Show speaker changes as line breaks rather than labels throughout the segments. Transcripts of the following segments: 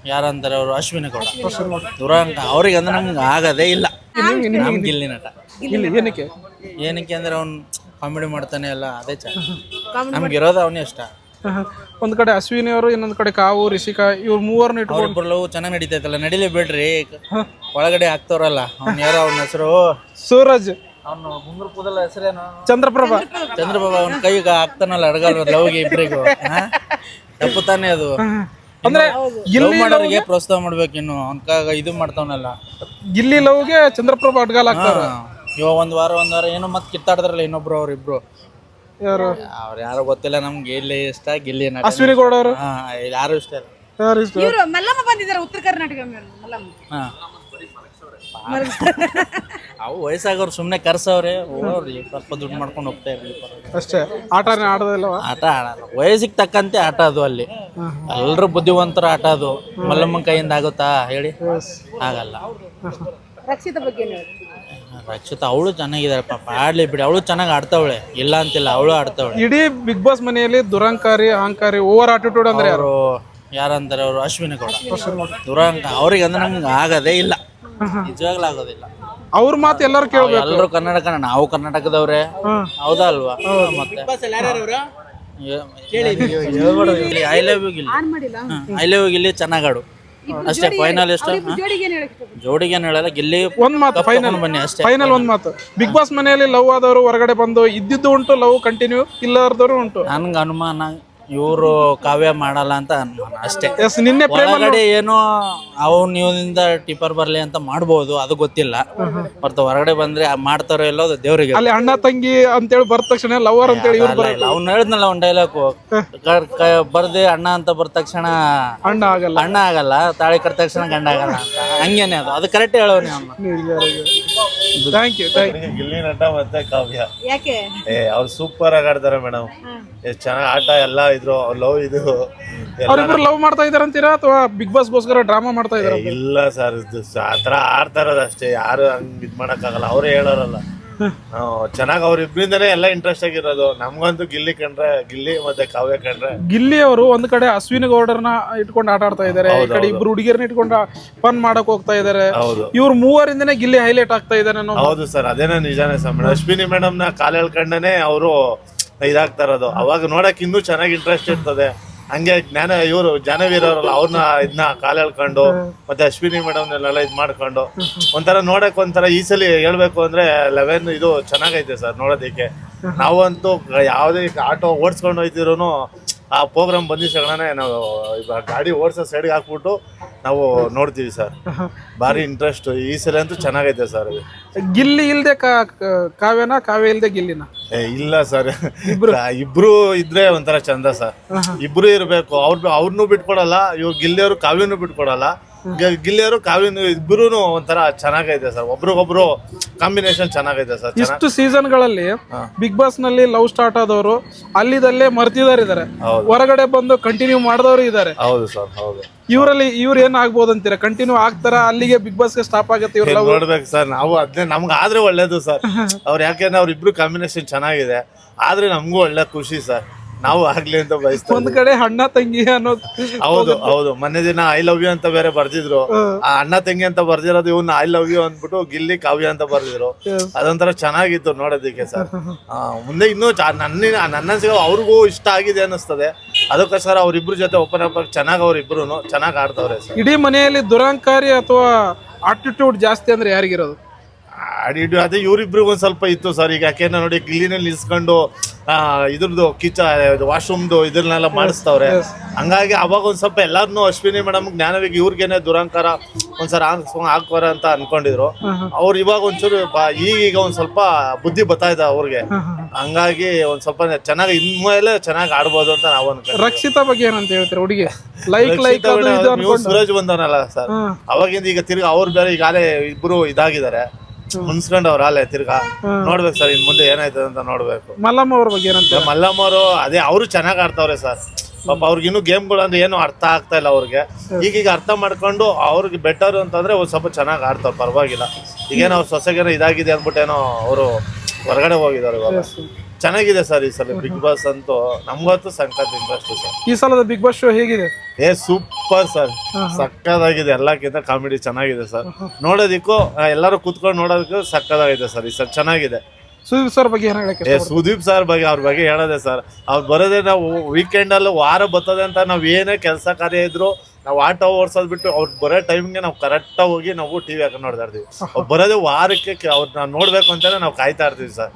ಯಾರಂತಾರೆ ಅವರು ಅಶ್ವಿನಿ ಗೌಡ ದುರಂಕ ಅವ್ರಿಗೆ ಅಂದ್ರೆ ನಮ್ಗೆ ಆಗದೇ ಇಲ್ಲ. ನಮ್ಗೆ ಗಿಲ್ಲಿ ನಟ
ಏನಕ್ಕೆ
ಏನಕ್ಕೆ ಅಂದ್ರೆ ಅವ್ನು ಕಾಮಿಡಿ ಮಾಡ್ತಾನೆ ಎಲ್ಲ ಅದೇ ನಮ್ಗೆ ಇರೋದು ಅವನೇ ಇಷ್ಟ.
ಒಂದ್ ಕಡೆ ಅಶ್ವಿನಿ ಅವರು, ಇನ್ನೊಂದ್ ಕಡೆ ಕಾವು, ರಿಷಿಕಾ, ಇವ್ರು ಮೂವರ್ನ ಇಟ್ಕೊಂಡು
ಅವ್ರಿಬ್ರು ಲವ್ ಚೆನ್ನಾಗಿ ನಡೀತೈತಲ್ಲ, ನಡಿಲೇ ಬಿಡ್ರಿ. ಒಳಗಡೆ ಆಗ್ತವ್ರಲ್ಲ ಅವ್ನ ಯಾರೋ ಅವ್ನ ಹೆಸರು
ಸೂರಜ್,
ಅವ್ನು ಮುಂದ್ರ ಕೂದಲ ಹೆಸರೇನು
ಚಂದ್ರಪ್ರಭಾ,
ಅವ್ನ ಕೈಗೆ ಆಗ್ತಾನಲ್ಲ ಅಡಗಲ್ ಲವ್ಗೆ ಇಬ್ರಿಗೂ ತಪ್ಪು ತಾನೇ ಅದು.
ಅಂದ್ರೆ
ಲವ್ ಮಾಡೋರಿಗೆ ಪ್ರೋತ್ಸಾಹ ಮಾಡ್ಬೇಕು. ಇನ್ನು ಅವ್ನ ಇದು ಮಾಡ್ತಾವನಲ್ಲ
ಗಿಲ್ಲಿ ಲವ್ಗೆ ಚಂದ್ರಪ್ರಭಾ ಅಡ್ಗಾಲ್ ಆಗ್ತಾರ.
ಇವಾಗ ಒಂದ್ ವಾರ ಏನೋ ಮತ್ತೆ ಕಿತ್ತಾಡ್ತಾರಲ್ಲ ಇನ್ನೊಬ್ರು ಅವ್ರಿಬ್ರು,
ಯಾರು
ಅವ್ರು ಯಾರು ಗೊತ್ತಿಲ್ಲ. ನಮ್ಗೆ ಗಿಲ್ಲಿ ಇಷ್ಟ, ಗಿಲ್ಲಿ ನಟ.
ಅಶ್ವಿನಿ ಗೌಡ ಅವರು
ಯಾರು ಇಷ್ಟ ಇಲ್ಲ.
ಯಾರು ಇಷ್ಟ?
ಇವರು ಮಲ್ಲಮ್ಮ ಬಂದಿದ್ದಾರೆ ಉತ್ತರ ಕರ್ನಾಟಕ ಮಲ್ಲಮ್ಮ.
ಅವು ವಯಸ್ಸಾಗವ್ರು ಸುಮ್ಮನೆ ಕರ್ಸವ್ರೆ, ಹೋಗ್ಲಿ ಸ್ವಲ್ಪ ದುಡ್ಡು ಮಾಡ್ಕೊಂಡು ಹೋಗ್ತಾ ಇರ್ಲಿ
ಅಷ್ಟೇ. ಆಟನೇ ಆಡೋದಿಲ್ಲವ?
ಆಟ ಆಡಲ್ಲ, ವಯಸ್ಸಿಗೆ ತಕ್ಕಂತೆ ಆಟ ಅದು. ಅಲ್ಲಿ ಎಲ್ರು ಬುದ್ಧಿವಂತರ ಆಟ ಅದು. ಮಲ್ಲಮ್ಮನ ಕೈಯಿಂದ ಆಗುತ್ತಾ ಹೇಳಿ? ಆಗಲ್ಲ.
ರಕ್ಷಿತ ಬಗ್ಗೆ
ರಕ್ಷಿತಾ ಅವಳು ಚೆನ್ನಾಗಿದ್ದಾರೆ ಪಾಪ, ಆಡ್ಲಿ ಬಿಡಿ. ಅವಳು ಚೆನ್ನಾಗಿ ಆಡ್ತಾವಳೆ, ಇಲ್ಲ ಅಂತಿಲ್ಲ, ಅವಳು ಆಡ್ತಾವಳೆ.
ಇಡೀ ಬಿಗ್ ಬಾಸ್ ಮನೆಯಲ್ಲಿ ದುರಂಕಾರಿ, ಅಹಂಕಾರಿ, ಓವರ್ ಆಟಿಟ್ಯೂಡ್ ಅಂದ್ರೆ ಯಾರು?
ಯಾರಂತಾರೆ ಅವರು ಅಶ್ವಿನಿ ಗೌಡ ದುರಂಕ ಅವ್ರಿಗೆ ಅಂದ್ರೆ ನಮ್ಗೆ ಆಗದೇ ಇಲ್ಲ, ನಿಜವಾಗ್ಲೂ ಆಗೋದಿಲ್ಲ. ಅವ್ರ
ಮಾತು ಎಲ್ಲರೂ ಕೇಳ್ಬೇಕು.
ಎಲ್ಲರೂ ಕನ್ನಡ, ನಾವು ಕರ್ನಾಟಕದವ್ರೆ, ಹೌದಾ ಅಲ್ವಾ? ಮತ್ತೆ ಐ ಲವ್ ಯು ಗಿಲ್ಲಿ ಚೆನ್ನಾಗಾಡು ಅಷ್ಟೇ. ಫೈನಲ್ ಎಷ್ಟು ಜೋಡಿಗೆ ಹೇಳಲ್ಲ, ಗಿಲ್ಲಿ
ಒಂದ್ ಮಾತು ಫೈನಲ್
ಬನ್ನಿ ಅಷ್ಟೇ.
ಫೈನಲ್ ಒಂದ್ ಮಾತು, ಬಿಗ್ ಬಾಸ್ ಮನೆಯಲ್ಲಿ ಲವ್ ಆದವರು ಹೊರಗಡೆ ಬಂದು ಇದ್ದಿದ್ದು ಉಂಟು, ಲವ್ ಕಂಟಿನ್ಯೂ ಇಲ್ಲದವರು ಉಂಟು.
ನನ್ಗೆ ಅನುಮಾನ ಇವರು ಕಾವ್ಯ ಮಾಡಲ್ಲ ಅಂತ ಅನುಮಾನ ಅಷ್ಟೇ.
ನಿನ್ನೆ
ಒಳಗಡೆ ಏನೋ ನೀವಿಂದ ಟಿಪ್ಪರ್ ಬರ್ಲಿ ಅಂತ ಮಾಡ್ಬೋದು, ಅದು ಗೊತ್ತಿಲ್ಲ. ಹೊರತು ಹೊರಗಡೆ ಬಂದ್ರೆ ಮಾಡ್ತಾರೋ ಎಲ್ಲೋ ದೇವ್ರಿಗೆ.
ಅಲ್ಲಿ ಅಣ್ಣ ತಂಗಿ ಅಂತೇಳಿ ಬರ್ದ ತಕ್ಷಣ ಲವರ್ ಅಂತೇಳಿ
ಅವ್ನು ಹೇಳಿದ್ನಲ್ಲ ಒಂದ್ ಡೈಲಾಗ್, ಬರ್ದೆ ಅಣ್ಣ ಅಂತ ಬರ್ದ ತಕ್ಷಣ
ಅಣ್ಣ
ಆಗಲ್ಲ, ತಾಳಿ ಕಟ್ಟ ತಕ್ಷಣ ಗಂಡ ಆಗಲ್ಲ ಅಂತ. ಹಂಗೇನೆ ಅದು ಕರೆಕ್ಟ್ ಹೇಳೋನಿ ಅವ್ನು.
Thank you.
ಗಿಲ್ಲಿ ನಟ ಮತ್ತೆ ಕಾವ್ಯ
ಯಾಕೆ
ಅವ್ರು ಸೂಪರ್ ಆಗಿ ಆಡ್ತಾರೆ ಮೇಡಮ್. ಎಷ್ಟು ಚೆನ್ನಾಗಿ ಆಟ ಎಲ್ಲ ಇದ್ರು. ಲವ್ ಇದು
ಅವ್ರಿಬ್ರು ಲವ್ ಮಾಡ್ತಾ ಇದಾರ ಅಂತೀರಾ ಅಥವಾ ಬಿಗ್ ಬಾಸ್ ಗೋಸ್ಕರ ಡ್ರಾಮಾ ಮಾಡ್ತಾ ಇದಾರ?
ಇಲ್ಲ ಸರ್, ಆತರ ಆಡ್ತಾ ಇರೋದು ಅಷ್ಟೇ. ಯಾರು ಹಂಗ್ ಇದ್ ಮಾಡಕ್ಕಾಗಲ್ಲ, ಅವ್ರೇ ಹೇಳೋರಲ್ಲ. ಚೆನ್ನಾಗಿ ಅವ್ರಿಬ್ರಿಂದನೇ ಎಲ್ಲ ಇಂಟ್ರೆಸ್ಟ್ ಆಗಿರೋದು. ನಮ್ಗಂತೂ ಗಿಲ್ಲಿ ಕಂಡ್ರೆ, ಗಿಲ್ಲಿ ಮತ್ತೆ ಕಾವ್ಯ ಕಂಡ್ರೆ.
ಗಿಲ್ಲಿ ಅವರು ಒಂದ್ ಕಡೆ ಅಶ್ವಿನಿ ಗೌಡರ್ನ ಇಟ್ಕೊಂಡು ಆಟ ಆಡ್ತಾ ಇದಾರೆ, ಈ ಕಡೆ ಇಬ್ರು ಹುಡುಗಿಯರ್ನ ಇಟ್ಕೊಂಡು ಫನ್ ಮಾಡಕ್ ಹೋಗ್ತಾ ಇದಾರೆ. ಇವ್ರ ಮೂವರಿಂದನೇ ಗಿಲ್ಲಿ ಹೈಲೈಟ್ ಆಗ್ತಾ ಇದಾರೆ.
ಹೌದು ಸರ್, ಅದೇನೋ ನಿಜಾನೇ ಸರ್. ಮೇಡಮ್ ಅಶ್ವಿನಿ ಮೇಡಮ್ ನ ಕಾಲ್ ಹೇಳ್ಕೊಂಡೇ ಅವರು ಇದಾಗ್ತಾ ಇರೋದು. ಅವಾಗ ನೋಡಕ್ ಇನ್ನೂ ಚೆನ್ನಾಗಿ ಇಂಟ್ರೆಸ್ಟ್ ಇರ್ತದೆ. ಹಂಗೆ ಇವರು ಜಾನವೀರವ್ರಲ್ಲ, ಅವ್ರನ್ನ ಇದನ್ನ ಕಾಲ್ ಹೇಳ್ಕೊಂಡು ಮತ್ತೆ ಅಶ್ವಿನಿ ಮೇಡಮ್ನೆಲ್ಲ ಇದ್ ಮಾಡ್ಕೊಂಡು ಒಂಥರ ನೋಡಕ್ ಒಂಥರ ಈ ಸಲ ಹೇಳ್ಬೇಕು ಅಂದ್ರೆ 11 ಇದು ಚೆನ್ನಾಗೈತೆ ಸರ್ ನೋಡೋದಕ್ಕೆ. ನಾವಂತೂ ಯಾವುದೇ ಆಟೋ ಓಡಿಸ್ಕೊಂಡು ಹೋಯ್ತಿರೋನು ಆ ಪ್ರೋಗ್ರಾಮ್ ಬಂದಿದ್ದಾಗನೇ ನಾವು ಗಾಡಿ ಓಡಿಸೋ ಸೈಡ್ಗೆ ಹಾಕ್ಬಿಟ್ಟು ನಾವು ನೋಡ್ತೀವಿ ಸರ್. ಭಾರಿ ಇಂಟ್ರೆಸ್ಟ್ ಈ ಸಲ ಅಂತೂ ಚೆನ್ನಾಗೈತೆ ಸರ್.
ಗಿಲ್ಲಿ ಇಲ್ದೆ ಕಾವ್ಯನ, ಕಾವ್ಯ ಇಲ್ದೆ ಗಿಲ್ಲಿನ?
ಇಲ್ಲ ಸರ್, ಇಬ್ರು ಇದ್ರೆ ಒಂಥರ ಚಂದ ಸರ್. ಇಬ್ರು ಇರ್ಬೇಕು. ಅವ್ರನ್ನೂ ಬಿಟ್ಕೊಡಲ್ಲ, ಇವ್ರು ಗಿಲ್ಲಿಯವರು ಕಾವ್ಯನೂ ಬಿಟ್ಕೊಡಲ್ಲ. ಗಿಲ್ಲಿಯವರು ಕಾವ್ಯನು ಇಬ್ರು ಒಂಥರ ಚೆನ್ನಾಗೈತೆ ಸರ್. ಒಬ್ರಿಗೊಬ್ರು ಕಾಂಬಿನೇಷನ್ ಚೆನ್ನಾಗೈತೆ ಸರ್.
ಇಷ್ಟು ಸೀಸನ್ ಗಳಲ್ಲಿ ಬಿಗ್ ಬಾಸ್ ನಲ್ಲಿ ಲವ್ ಸ್ಟಾರ್ಟ್ ಆದವರು ಅಲ್ಲಿದಲ್ಲೇ ಮರ್ತಿದಾರೆ, ಹೊರಗಡೆ ಬಂದು ಕಂಟಿನ್ಯೂ ಮಾಡಿದವರು ಇದಾರೆ.
ಹೌದು ಸರ್, ಹೌದು.
ಇವರಲ್ಲಿ ಇವ್ರು ಏನ್ ಆಗ್ಬೋದು ಅಂತೀರಾ? ಕಂಟಿನ್ಯೂ ಆಗ್ತಾರ, ಅಲ್ಲಿಗೆ ಬಿಗ್ ಬಾಸ್ ಗೆ ಸ್ಟಾಪ್ ಆಗುತ್ತೆ ಇವ್ರು
ನೋಡ್ಬೇಕು ಸರ್. ನಾವು ಅದನ್ನೇ, ನಮ್ಗೆ ಆದ್ರೆ ಒಳ್ಳೇದು ಸರ್. ಅವ್ರು ಯಾಕೆಂದ್ರೆ ಅವ್ರಿಬ್ರು ಕಾಂಬಿನೇಷನ್ ಚೆನ್ನಾಗಿದೆ, ಆದ್ರೆ ನಮಗೂ ಒಳ್ಳೆ ಖುಷಿ ಸರ್. ನಾವು ಆಗ್ಲಿ ಅಂತ ಬಯಸ್ತೀವಿ.
ಒಂದ್ ಕಡೆ ಅಣ್ಣ ತಂಗಿ ಅನ್ನೋದು.
ಹೌದು. ಮೊನ್ನೆ ದಿನ ಐ ಲವ್ ಯು ಅಂತ ಬೇರೆ ಬರ್ದಿದ್ರು. ಆ ಅಣ್ಣ ತಂಗಿ ಅಂತ ಬರ್ದಿರೋದು ಇವ್ನ ಐ ಲವ್ ಯು ಅಂದ್ಬಿಟ್ಟು ಗಿಲ್ಲಿ ಕಾವ್ಯ ಅಂತ ಬರ್ದಿದ್ರು. ಅದೊಂಥರ ಚೆನ್ನಾಗಿತ್ತು ನೋಡೋದಕ್ಕೆ ಸರ್. ಮುಂದೆ ಇನ್ನೂ ನನ್ನ ಅವ್ರಿಗೂ ಇಷ್ಟ ಆಗಿದೆ ಅನ್ನಿಸ್ತದೆ. ಅದಕ್ಕೋಸ್ಕರ ಅವ್ರಿಬ್ರು ಜೊತೆ ಓಪನ್ ಅಪ್ ಚೆನ್ನಾಗಿ ಅವ್ರಿಬ್ರು ಚೆನ್ನಾಗಿ ಆಡ್ತವ್ರೆ ಸರ್.
ಇಡೀ ಮನೆಯಲ್ಲಿ ದುರಂಕಾರಿ ಅಥವಾ ಆಟಿಟ್ಯೂಡ್ ಜಾಸ್ತಿ ಅಂದ್ರೆ ಯಾರಿಗಿರೋದು?
ಅದೇ ಇವ್ರಿಬ್ರಿಗೂ ಒಂದ್ ಸ್ವಲ್ಪ ಇತ್ತು ಸರ್. ಈಗ ಯಾಕೆಂದ್ರೆ ನೋಡಿ, ಗಿಲ್ಲಿನಲ್ಲಿ ನಿಲ್ಸ್ಕೊಂಡು ಇದ್ರದ್ದು ವಾಶ್ರೂಮ್ದು ಇದನ್ನೆಲ್ಲ ಮಾಡಿಸ್ತವ್ರೆ. ಹಂಗಾಗಿ ಅವಾಗ ಒಂದ್ ಸ್ವಲ್ಪ ಎಲ್ಲಾರ್ನು ಅಶ್ವಿನಿ ಮೇಡಮ್, ಜ್ಞಾನವಿಗೆ ಇವ್ರಿಗೇನೆ ದುರಂಕಾರ ಒಂದ್ಸಲ ಹಾಕೋರ ಅಂತ ಅನ್ಕೊಂಡಿದ್ರು. ಅವ್ರು ಇವಾಗ ಒಂಚೂರು ಈಗ ಒಂದ್ ಸ್ವಲ್ಪ ಬುದ್ಧಿ ಬರ್ತಾ ಇದೆ ಅವ್ರಿಗೆ. ಹಂಗಾಗಿ ಒಂದ್ ಸ್ವಲ್ಪ ಚೆನ್ನಾಗಿ ಇನ್ಮೇಲೆ ಚೆನ್ನಾಗಿ ಆಡ್ಬೋದು ಅಂತ ನಾವು ಅನ್ಕೊಂಡ್ವಿ.
ರಕ್ಷಿತಾ ಬಗ್ಗೆ ಏನಂತ ಹೇಳ್ತೀರಾ? ಹುಡುಗಿ
ಸೂರಜ್ ಬಂದವನಲ್ಲ ಸರ್, ಅವಾಗಿಂದ ಈಗ ತಿರ್ಗಿ ಅವ್ರು ಬೇರೆ ಈಗಾಲೇ ಇಬ್ರು ಇದಾಗಿದ್ದಾರೆ, ಮುನ್ಸ್ಕೊಂಡ್ ಅವ್ರ ಅಲ್ಲೇ ತಿರ್ಗಾ ನೋಡ್ಬೇಕು ಸರ್. ಇನ್ ಮುಂದೆ ಏನಾಯ್ತದೆ ಅಂತ ನೋಡ್ಬೇಕು.
ಮಲ್ಲಮ್ಮ ಅವ್ರ ಬಗ್ಗೆ ಏನಂತ?
ಮಲ್ಲಮ್ಮ ಅವರು ಅದೇ ಅವರು ಚೆನ್ನಾಗಿ ಆಡ್ತಾವ್ರೆ ಸರ್. ಪಾಪ ಅವ್ರಿಗೆ ಇನ್ನೂ ಗೇಮ್ಗಳು ಅಂದ್ರೆ ಏನು ಅರ್ಥ ಆಗ್ತಾ ಇಲ್ಲ ಅವ್ರಿಗೆ. ಈಗೀಗ ಅರ್ಥ ಮಾಡ್ಕೊಂಡು ಅವ್ರಿಗೆ ಬೆಟರ್ ಅಂತಂದ್ರೆ ಒಂದ್ ಸ್ವಲ್ಪ ಚೆನ್ನಾಗಿ ಆಡ್ತಾವ್ರು, ಪರವಾಗಿಲ್ಲ. ಈಗೇನೋ ಅವ್ರ ಸೊಸೆಗೇನೋ ಇದಾಗಿದೆ ಅಂದ್ಬಿಟ್ಟೇನೋ ಅವರು ಹೊರಗಡೆ ಹೋಗಿದ್ದಾರೆ ಇವಾಗ. ಚೆನ್ನಾಗಿದೆ ಸರ್ ಈ ಸಲ ಬಿಗ್ ಬಾಸ್ ಅಂತೂ ನಮ್ಗಂತೂ ಸಂಕತ್ ಇಂಟ್ರೆಸ್ಟ್ ಸರ್.
ಈ ಸಲದ ಬಿಗ್ ಬಾಸ್ ಶೋ ಹೇಗಿದೆ?
ಸೂಪರ್ ಸರ್, ಸಕ್ಕದಾಗಿದೆ. ಎಲ್ಲಕ್ಕಿಂತ ಕಾಮಿಡಿ ಚೆನ್ನಾಗಿದೆ ಸರ್. ನೋಡೋದಿಕ್ಕೂ ಎಲ್ಲರೂ ಕೂತ್ಕೊಂಡು ನೋಡೋದಕ್ಕೂ ಸಕ್ಕದಾಗಿದೆ ಸರ್. ಈ ಸರ್ ಚೆನ್ನಾಗಿದೆ.
ಸುದೀಪ್ ಸರ್ ಬಗ್ಗೆ ಏನು ಹೇಳಕ್ಕೆ
ಸುದೀಪ್ ಸರ್ ಬಗ್ಗೆ ಅವ್ರ ಬಗ್ಗೆ ಹೇಳೋದೆ ಸರ್. ಅವ್ರು ಬರೋದೇ ನಾವು ವೀಕೆಂಡಲ್ಲಿ ವಾರ ಬರ್ತದೆ ಅಂತ ನಾವು ಏನೇ ಕೆಲಸ ಕಾರ್ಯ ಇದ್ರು ನಾವು ಆಟೋ ಓಡಿಸೋದು ಬಿಟ್ಟು ಅವ್ರು ಬರೋ ಟೈಮ್ಗೆ ನಾವು ಕರೆಕ್ಟಾಗಿ ಹೋಗಿ ನಾವು ಟಿವಿ ಹಾಕೊಂಡು ನೋಡ್ತಾ ಇರ್ತೀವಿ. ಅವ್ರು ಬರೋದೇ ವಾರಕ್ಕೆ ಅವ್ರನ್ನ ನೋಡ್ಬೇಕು ಅಂತಾನೆ ನಾವು ಕಾಯ್ತಾ ಇರ್ತೀವಿ ಸರ್.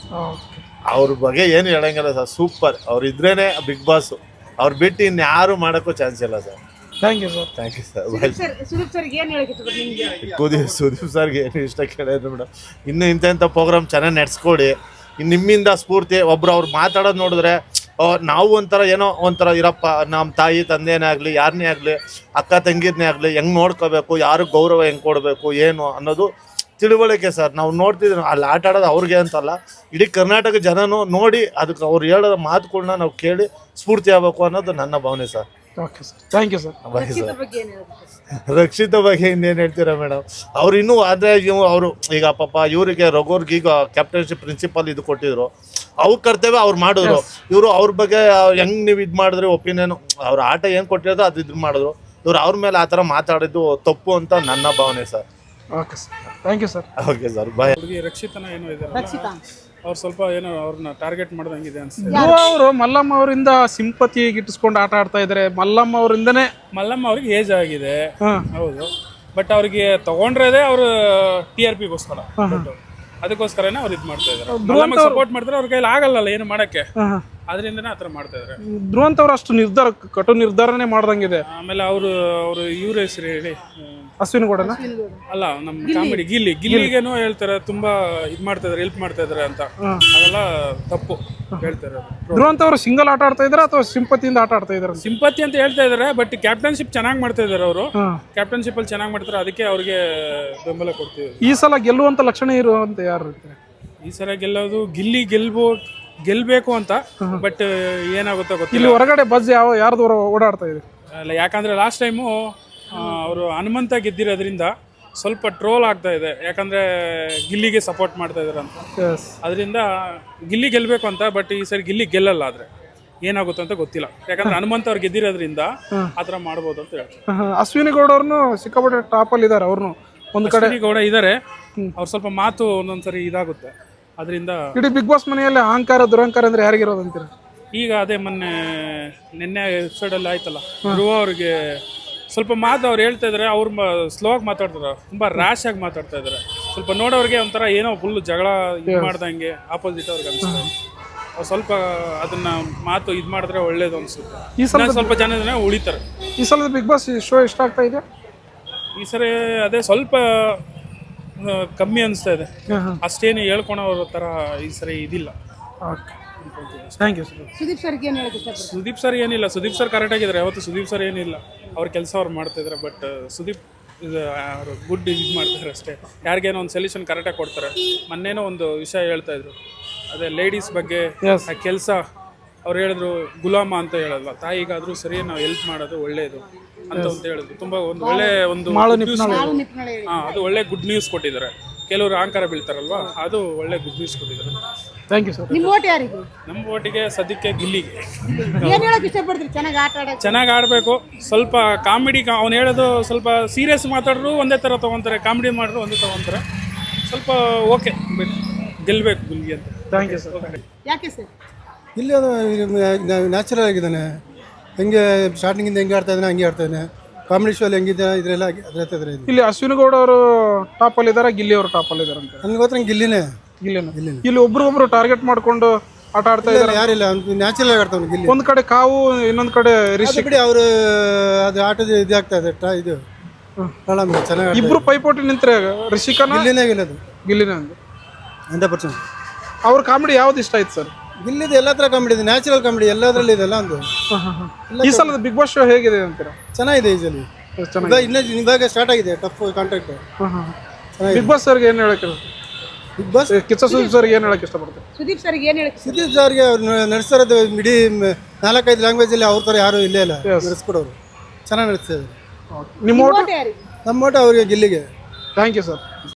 ಅವ್ರ ಬಗ್ಗೆ ಏನು ಹೇಳಂಗಿಲ್ಲ ಸರ್. ಸೂಪರ್. ಅವ್ರು ಇದ್ರೇನೆ ಬಿಗ್ ಬಾಸ್. ಅವ್ರು ಬಿಟ್ಟು ಇನ್ಯಾರು ಮಾಡೋಕ್ಕೂ ಚಾನ್ಸ್ ಇಲ್ಲ sir.
Thank you sir.
Thank you sir.
Sudeep sir ಏನು ಹೇಳಕ್ಕೆ ಇಷ್ಟಪಡ್ತೀನಿ ನಿಮ್ಗೆ?
ಸುದೀಪ್ ಸರ್ಗೆ ಏನು ಇಷ್ಟ ಕೇಳಿದ್ರು ಮೇಡಮ್, ಇನ್ನು ಇಂಥ ಪ್ರೋಗ್ರಾಮ್ ಚೆನ್ನಾಗಿ ನಡೆಸ್ಕೊಡಿ. ಇನ್ನು ನಿಮ್ಮಿಂದ ಸ್ಫೂರ್ತಿ ಒಬ್ರು ಅವ್ರು ಮಾತಾಡೋದು ನೋಡಿದ್ರೆ ನಾವು ಒಂಥರ ಏನೋ ಒಂಥರ ಇರಪ್ಪ, ನಮ್ಮ ತಾಯಿ ತಂದೆನೇ ಆಗಲಿ ಯಾರನ್ನೇ ಆಗಲಿ ಅಕ್ಕ ತಂಗಿರನ್ನೇ ಆಗಲಿ ಹೆಂಗೆ ನೋಡ್ಕೋಬೇಕು, ಯಾರು ಗೌರವ ಹೆಂಗೆ ಕೊಡಬೇಕು ಏನು ಅನ್ನೋದು ತಿಳುವಳಿಕೆ ಸರ್. ನಾವು ನೋಡ್ತಿದ್ವಿ ಅಲ್ಲಿ ಆಟ ಆಡೋದು ಅವ್ರಿಗೆ ಅಂತಲ್ಲ, ಇಡೀ ಕರ್ನಾಟಕ ಜನನೂ ನೋಡಿ ಅದಕ್ಕೆ ಅವ್ರು ಹೇಳೋ ಮಾತುಗಳನ್ನ ನಾವು ಕೇಳಿ ಸ್ಫೂರ್ತಿ ಆಗಬೇಕು ಅನ್ನೋದು ನನ್ನ ಭಾವನೆ sir.
Okay sir, thank you sir.
Bye sir.
ಬಗ್ಗೆ ಏನು ಹೇಳಕ್ಕೆ?
ರಕ್ಷಿತ ಬಗ್ಗೆ ಇನ್ನೇನು ಹೇಳ್ತೀರಾ ಮೇಡಮ್? ಅವ್ರು ಇನ್ನೂ ಆದರೆ ಅವರು ಈಗ ಪಾಪ ಇವರಿಗೆ ರಘುವರ್ಗೆ ಈಗ ಕ್ಯಾಪ್ಟನ್ಶಿಪ್ ಪ್ರಿನ್ಸಿಪಲ್ ಇದು ಕೊಟ್ಟಿದ್ರು, ಅವ್ರ ಕರ್ತವ್ಯ ಅವ್ರು ಮಾಡಿದ್ರು. ಇವರು ಅವ್ರ ಬಗ್ಗೆ ಹೆಂಗೆ ನೀವು ಇದು ಮಾಡಿದ್ರಿ ಒಪಿನಿಯನ್, ಅವ್ರ ಆಟ ಏನು ಕೊಟ್ಟಿರೋದು ಅದು ಇದು ಮಾಡಿದ್ರು. ಇವ್ರು ಅವ್ರ ಮೇಲೆ ಆ ಥರ ಮಾತಾಡಿದ್ದು ತಪ್ಪು ಅಂತ ನನ್ನ ಭಾವನೆ sir.
Okay sir, thank you sir.
Okay sir, bye.
ಹುಡುಗಿ ರಕ್ಷಿತನ ಏನೋ ಇದೆ,
ರಕ್ಷಿತಾ
ಅವ್ರು ಸ್ವಲ್ಪ ಏನೋ ಅವ್ರನ್ನ ಟಾರ್ಗೆಟ್ ಮಾಡ್ದಂಗಿದೆ ಅನ್ಸುತ್ತೆ. ಅವರು ಮಲ್ಲಮ್ಮ ಅವರಿಂದ ಸಿಂಪತಿ ಗಿಟ್ಟಿಸ್ಕೊಂಡು ಆಟ ಆಡ್ತಾ ಇದ್ದಾರೆ. ಮಲ್ಲಮ್ಮ ಅವರಿಂದನೇ
ಮಲ್ಲಮ್ಮ ಅವ್ರಿಗೆ ಏಜ್ ಆಗಿದೆ, ಹೌದು. ಬಟ್ ಅವ್ರಿಗೆ ತಗೊಂಡ್ರದೇ ಅವರು TRPಗೋಸ್ಕರ, ಅದಕ್ಕೋಸ್ಕರನೇ ಅವ್ರು ಇದು ಮಾಡ್ತಾ ಇದ್ದಾರೆ. ಸಪೋರ್ಟ್ ಮಾಡ್ತಾರೆ, ಅವ್ರ ಕೈಲಿ ಆಗಲ್ಲ ಏನು ಮಾಡಕ್ಕೆ, ಅದರಿಂದನೇ ಆತರ ಮಾಡ್ತಾ ಇದಾರೆ.
ಧ್ರುವಂತ್ ಅವ್ರು ಅಷ್ಟು ನಿರ್ಧಾರ, ಕಟು ನಿರ್ಧಾರನೇ ಮಾಡ್ದಂಗಿದೆ.
ಆಮೇಲೆ ಅವರು ಇವ್ರ ಹೆಸರು ಹೇಳಿ,
ಅಶ್ವಿನ್ ಗೌಡನ
ಅಲ್ಲ ನಮ್ಮ ಕಾಮಿಡಿ ಗಿಲ್ಲಿಗೇನೋ ಹೇಳ್ತಾರೆ ತುಂಬಾ ಇದು ಮಾಡ್ತಾ ಇದಾರೆ, ಹೆಲ್ಪ್ ಮಾಡ್ತಾ ಇದಾರೆ ಅಂತ. ಅದೆಲ್ಲ ತಪ್ಪು ಹೇಳ್ತಾರೆ.
ಧ್ರುವಂತ್ ಅವರು ಸಿಂಗಲ್ ಆಟ ಆಡ್ತಾ ಇದಾರೆ ಅಥವಾ ಸಿಂಪತಿಯಿಂದ ಆಟ ಆಡ್ತಾ ಇದಾರೆ?
ಸಿಂಪತಿ ಅಂತ ಹೇಳ್ತಾ ಇದಾರೆ, ಬಟ್ ಕ್ಯಾಪ್ಟನ್ಶಿಪ್ ಚೆನ್ನಾಗಿ ಮಾಡ್ತಾ ಇದಾರೆ ಅವರು. ಕ್ಯಾಪ್ಟನ್ಶಿಪ್ ಅಲ್ಲಿ ಚೆನ್ನಾಗಿ ಮಾಡ್ತಾರೆ, ಅದಕ್ಕೆ ಅವ್ರಿಗೆ ಬೆಂಬಲ ಕೊಡ್ತೀವಿ.
ಈ ಸಲ ಗೆಲ್ಲುವಂತ ಲಕ್ಷಣ ಇರುವಂತ ಯಾರು ಇರ್ತಾರೆ?
ಈ ಸಲ ಗೆಲ್ಲೋದು ಗೆಲ್ಬೇಕು ಅಂತ, ಬಟ್ ಏನಾಗುತ್ತೋ ಗೊತ್ತಿಲ್ಲ.
ಇಲ್ಲಿ ಹೊರಗಡೆ ಬಸ್ ಯಾರ್ದು ಓಡಾಡ್ತಾ ಇದೆ?
ಅಲ್ಲ, ಯಾಕಂದ್ರೆ ಲಾಸ್ಟ್ ಟೈಮು ಅವರು ಹನುಮಂತ ಗೆದ್ದಿರೋದ್ರಿಂದ ಸ್ವಲ್ಪ ಟ್ರೋಲ್ ಆಗ್ತಾ ಇದೆ. ಯಾಕಂದ್ರೆ ಗಿಲ್ಲಿಗೆ ಸಪೋರ್ಟ್ ಮಾಡ್ತಾ ಇದಾರೆ ಅಂತ, ಅದರಿಂದ ಗಿಲ್ಲಿ ಗೆಲ್ಬೇಕು ಅಂತ. ಬಟ್ ಈ ಸರಿ ಗಿಲ್ಲಿ ಗೆಲ್ಲಲ್ಲ, ಆದ್ರೆ ಏನಾಗುತ್ತೆ ಅಂತ ಗೊತ್ತಿಲ್ಲ. ಯಾಕಂದ್ರೆ ಹನುಮಂತ ಅವ್ರು ಗೆದ್ದಿರೋದ್ರಿಂದ ಆತರ ಮಾಡ್ಬೋದು ಅಂತ ಹೇಳ್ತಾರೆ.
ಅಶ್ವಿನಿ ಗೌಡ ಅವ್ರನ್ನು ಸಿಕ್ಕಾಪಟ್ಟೆ ಟಾಪ್ ಅಲ್ಲಿ ಇದಾರೆ. ಅವ್ರನ್ನು ಒಂದು ಕಡೆ
ಗೌಡ ಇದಾರೆ, ಅವ್ರು ಸ್ವಲ್ಪ ಮಾತು ಒಂದೊಂದ್ಸರಿ ಇದಾಗುತ್ತೆ. ಅದರಿಂದ
ಇಡೀ ಬಿಗ್ ಬಾಸ್ ಮನೆಯಲ್ಲಿ ಅಹಂಕಾರ ದುರಹಂಕಾರ ಅಂದ್ರೆ ಯಾರಿಗಿರೋದಂತೀರ?
ಈಗ ಅದೇ ನಿನ್ನೆ ಎಪಿಸೋಡ್ ಅಲ್ಲಿ ಆಯ್ತಲ್ಲ, ಧ್ರುವ ಅವ್ರಿಗೆ ಸ್ವಲ್ಪ ಮಾತು ಅವ್ರು ಹೇಳ್ತಾ ಇದಾರೆ. ಅವ್ರು ಸ್ಲೋ ಆಗಿ ಮಾತಾಡ್ತಾರೆ, ತುಂಬಾ ರ್ಯಾಶ್ ಆಗಿ ಮಾತಾಡ್ತಾ ಇದಾರೆ. ಸ್ವಲ್ಪ ನೋಡೋರಿಗೆ ಒಂಥರ ಏನೋ ಫುಲ್ ಜಗಳ ಇದು ಮಾಡ್ದಂಗೆ ಆಪೋಸಿಟ್ ಅವ್ರಿಗೆ ಅನ್ಸುತ್ತೆ. ಅವ್ರು ಸ್ವಲ್ಪ ಅದನ್ನ ಮಾತು ಇದು ಮಾಡಿದ್ರೆ ಒಳ್ಳೇದು ಅನ್ಸುತ್ತೆ.
ಈ ಸಲ
ಸ್ವಲ್ಪ ಜನ ಉಳಿತಾರೆ.
ಈ ಸಲ ಬಿಗ್ ಬಾಸ್ ಶೋ ಇಷ್ಟ ಆಗ್ತಾ ಇದೆ?
ಈ ಸರಿ ಅದೇ ಸ್ವಲ್ಪ ಕಮ್ಮಿ ಅನಿಸ್ತಾ ಇದೆ. ಅಷ್ಟೇನು ಹೇಳ್ಕೊಳೋರ ತರ ಈ ಸರಿ ಇದಿಲ್ಲ.
Thank you sir.
ಸುದೀಪ್ ಸರ್ಗೆ ಏನು ಹೇಳಕ್ಕೆ ಇಷ್ಟಪಡ್ತೀನಿ?
ಸುದೀಪ್ ಸರ್ ಏನಿಲ್ಲ, ಸುದೀಪ್ ಸರ್ ಕರೆಕ್ಟ್ ಆಗಿದ್ದಾರೆ. ಯಾವತ್ತು ಸುದೀಪ್ ಸರ್ ಏನಿಲ್ಲ, ಅವ್ರ ಕೆಲಸ ಅವ್ರು ಮಾಡ್ತಾ ಇದ್ದಾರೆ. ಬಟ್ ಸುದೀಪ್ ಅವರು ಗುಡ್ ಇದು ಮಾಡ್ತಾರೆ ಅಷ್ಟೇ. ಯಾರಿಗೇನೋ ಒಂದು ಸೊಲ್ಯೂಷನ್ ಕರೆಕ್ಟಾಗಿ ಕೊಡ್ತಾರೆ. ಮೊನ್ನೇನೋ ಒಂದು ವಿಷಯ ಹೇಳ್ತಾ ಇದ್ರು, ಅದೇ ಲೇಡೀಸ್ ಬಗ್ಗೆ ಆ ಕೆಲಸ. ಅವ್ರು ಹೇಳಿದ್ರು ಗುಲಾಮ ಅಂತ ಹೇಳಲ್ವಾ, ತಾಯಿಗಾದ್ರೂ ಸರಿ ನಾವು ಹೆಲ್ಪ್ ಮಾಡೋದು ಒಳ್ಳೇದು ಅಂತ ಹೇಳಿದ್ರು. ತುಂಬಾ ಒಂದು ಒಳ್ಳೆ ಒಂದು ಅದು ಒಳ್ಳೆ ಗುಡ್ ನ್ಯೂಸ್ ಕೊಟ್ಟಿದ್ದಾರೆ. ಕೆಲವರು ಅಹಂಕಾರ ಬೀಳ್ತಾರಲ್ವಾ, ಅದು ಒಳ್ಳೆ ಗುಡ್ ನ್ಯೂಸ್ ಕೊಟ್ಟಿದ್ದಾರೆ.
Thank you sir.
ನಿಮ್ಮ ಓಟ್ ಯಾರಿಗೆ?
ನಮ್ಮ ಓಟಿಗೆ ಸದ್ಯಕ್ಕೆ ಗಿಲ್ಲಿಗೆ.
ಏನು ಹೇಳಕ್ಕೆ ಇಷ್ಟಪಡ್ತೀರಿ? ಚೆನ್ನಾಗಿ ಆಟ ಆಡೋಕೆ,
ಚೆನ್ನಾಗಿ ಆಡಬೇಕು. ಸ್ವಲ್ಪ ಕಾಮಿಡಿ, ಅವ್ನು ಹೇಳೋದು ಸ್ವಲ್ಪ ಸೀರಿಯಸ್ ಮಾತಾಡ್ರು ಒಂದೇ ಥರ ತೊಗೊತಾರೆ, ಕಾಮಿಡಿ ಮಾಡಿದ್ರು ಒಂದೇ ತೊಗೊತಾರೆ. ಸ್ವಲ್ಪ ಓಕೆ, ಬಟ್ ಗೆಲ್ಲಬೇಕು ಗಿಲ್ಲಿ ಅಂತ.
Thank you sir.
ಯಾಕೆ ಸರ್?
ಇಲ್ಲಿ ಅದು ನ್ಯಾಚುರಲ್ ಆಗಿದ್ದಾನೆ. ಹೆಂಗೆ ಸ್ಟಾರ್ಟಿಂಗಿಂದ ಹೆಂಗೆ ಆಡ್ತಾ ಇದ್ದಾನೆ ಹಂಗೆ ಆಡ್ತಾ ಇದ್ದಾನೆ. ಕಾಮಿಡಿ ಶೋಲ್ಲಿ ಹೆಂಗಿದೆ ಇದರೆಲ್ಲ ಅದ್ರ
ಇಲ್ಲಿ ಅಶ್ವಿನಿ ಗೌಡ ಅವರು ಟಾಪ್ ಅಲ್ಲಿ ಇದಾರೆ, ಗಿಲ್ಲಿ ಅವರು ಟಾಪ್ ಅಲ್ಲಿ ಇದಾರೆ ಅಂತ
ನನಗೆ ಗೊತ್ತ. ಗಿಲ್ಲಿನೇ
ಇಲ್ಲಿ ಒಬ್ರು ಟಾರ್ಗೆಟ್ ಮಾಡ್ಕೊಂಡು ಆಟ ಆಡ್ತಾ ಇದ್ದಾರೆ.
ಯಾರಿಲ್ಲ, ನ್ಯಾಚುರಲ್ ಆಗಿ ಆಡ್ತಾವೆ ಗಿಲ್ಲಿ.
ಒಂದ್ ಕಡೆ ಕಾವು, ಇನ್ನೊಂದ್ ಕಡೆ ರಿಷಿ.
ಬಿಡಿ ಅವರು ಅದು ಆಟದ ಇದಾಗ್ತಾ ಇದೆ ಇದು ಚೆನ್ನಾಗಿ.
ಇಬ್ರು ಪೈಪೋಟಿ ನಿಂತ್ರೆ ರಿಷಿಕನ
ಗಿಲ್ಲಿನೇ ಗೆಲ್ಲೋದು.
ಗಿಲ್ಲಿನೇ ಅಂದು
100%.
ಅವ್ರ ಕಾಮಿಡಿ ಯಾವ್ದು ಇಷ್ಟ ಆಯ್ತು ಸರ್?
ಗಿಲ್ಲಿದು ಎಲ್ಲ ಥರ ಕಾಮಿಡಿ ಇದೆ, ನ್ಯಾಚುರಲ್ ಕಾಮಿಡಿ ಎಲ್ಲದರಲ್ಲಿ ಇದೆಲ್ಲ ಒಂದು.
ಈ ಸಲದ ಬಿಗ್ ಬಾಸ್ ಶೋ ಹೇಗಿದೆ ಅಂತೀರಾ?
ಚೆನ್ನಾಗಿದೆ. ಈ ಸಲ ಇನ್ನೂ ಇವಾಗ ಸ್ಟಾರ್ಟ್ ಆಗಿದೆ ಟಫ್ ಕಾಂಟ್ಯಾಕ್ಟ್.
ಬಿಗ್ ಬಾಸ್ ಸರ್ಗೆ ಏನು ಹೇಳಕ್ಕೆ?
ಬಿಗ್ ಬಾಸ್
ಕಿಚ್ಚ ಸುದೀಪ್ ಸರ್ಗೆ ಏನು ಹೇಳಕ್ಕೆ ಇಷ್ಟಪಡ್ತಾರೆ?
ಸುದೀಪ್ ಸರ್ಗೆ ಏನು ಹೇಳಕ್ಕೆ?
ಸುದೀಪ್ ಸರ್ಗೆ ಅವ್ರು ನಡೆಸ್ತಾರದು ಇಡೀ 4-5 ಲ್ಯಾಂಗ್ವೇಜಲ್ಲಿ ಅವ್ರ ಥರ ಯಾರೂ ಇಲ್ಲೇ ಇಲ್ಲ ನಡೆಸ್ಕೊಡೋರು. ಚೆನ್ನಾಗಿ ನಡೆಸ್ತಾ ಇದ್ದಾರೆ.
ನಿಮ್ಮ ಓಟ್
ಯಾರಿಗೆ?
ನಮ್ಮ ಓಟ ಅವರಿಗೆ ಗಿಲ್ಲಿಗೆ.
Thank you sir.